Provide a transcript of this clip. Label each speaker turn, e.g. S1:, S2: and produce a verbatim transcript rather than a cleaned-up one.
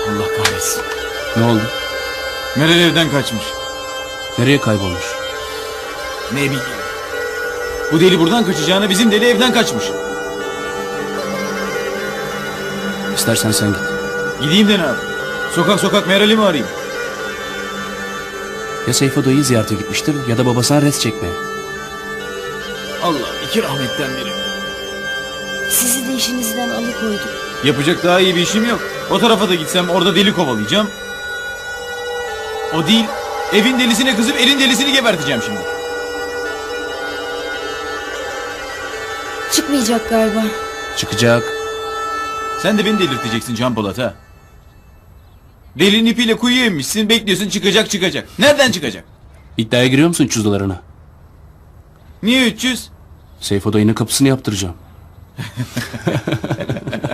S1: Allah kahretsin.
S2: Ne oldu?
S1: Meral evden kaçmış.
S2: Nereye kaybolmuş?
S1: Ne bileyim. Bu deli buradan kaçacağına bizim deli evden kaçmış.
S2: İstersen sen git.
S1: Gideyim de ne yapayım? Sokak sokak Meral'i mi arayayım?
S2: Ya Seyfo dayıyı ziyarete gitmiştir ya da babasına res çekmeye.
S1: Allah iki rahmetten biri.
S3: Sizi de işinizden alıkoydum.
S1: Yapacak daha iyi bir işim yok. O tarafa da gitsem orada deli kovalayacağım. O değil. Evin delisine kızıp elin delisini geberteceğim şimdi.
S3: Çıkmayacak galiba.
S2: Çıkacak.
S1: Sen de beni delirteceksin Can Polat ha. Delinin ipiyle kuyuya inmişsin, bekliyorsun çıkacak çıkacak. Nereden çıkacak?
S2: İddiaya giriyor musun üç yüz dolarına?
S1: Niye üç yüz?
S2: Seyfo dayının kapısını yaptıracağım.